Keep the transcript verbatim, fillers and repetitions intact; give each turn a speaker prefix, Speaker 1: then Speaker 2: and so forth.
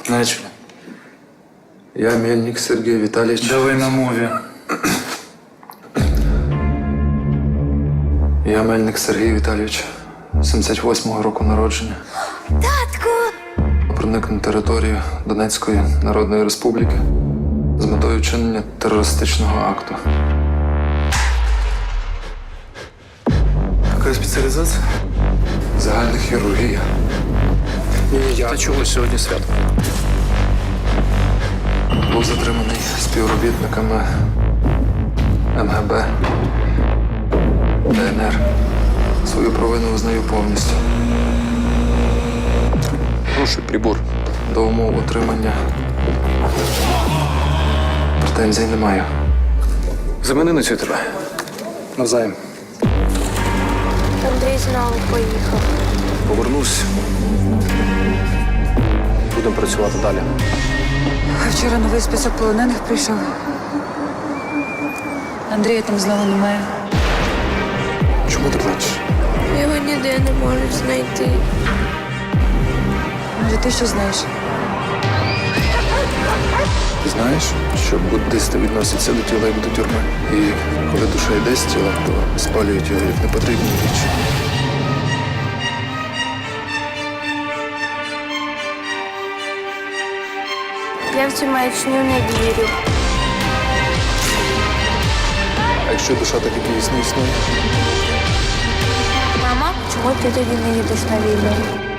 Speaker 1: Начали.
Speaker 2: Я Мельник Сергей Витальевич.
Speaker 1: Давай на мові.
Speaker 2: Я Мельник Сергій Віталійович, сімдесят восьмого року народження.
Speaker 3: Татку!
Speaker 2: Проник на територію Донецької Народної Республіки з метою вчинення терористичного акту.
Speaker 1: Яка спеціалізація?
Speaker 2: Загальна хірургія.
Speaker 1: Та чого сьогодні свято?
Speaker 2: Був затриманий співробітниками ем ге бе, де ен ер. Свою провину визнаю повністю.
Speaker 1: Хороший прибор.
Speaker 2: До умов отримання претензій не маю.
Speaker 1: Замени на цю тебе. Навзаєм.
Speaker 3: Андрій знову поїхав.
Speaker 1: Повернусь. Будемо працювати далі.
Speaker 4: А вчора новий список полонених прийшов. Андрія там знову немає.
Speaker 1: Чому ти плачеш?
Speaker 3: Його ніде не можуть знайти.
Speaker 4: Може, ти що знаєш?
Speaker 2: Ти знаєш, що буддисти відносяться до тіла як до тюрми. І коли душа йде з тіла, то спалюють його як непотрібні річ.
Speaker 3: Я в цю маячню не вірю.
Speaker 2: А якщо душа так і дійсно існує?
Speaker 3: Мама, чому ти тоді не їдеш на війну?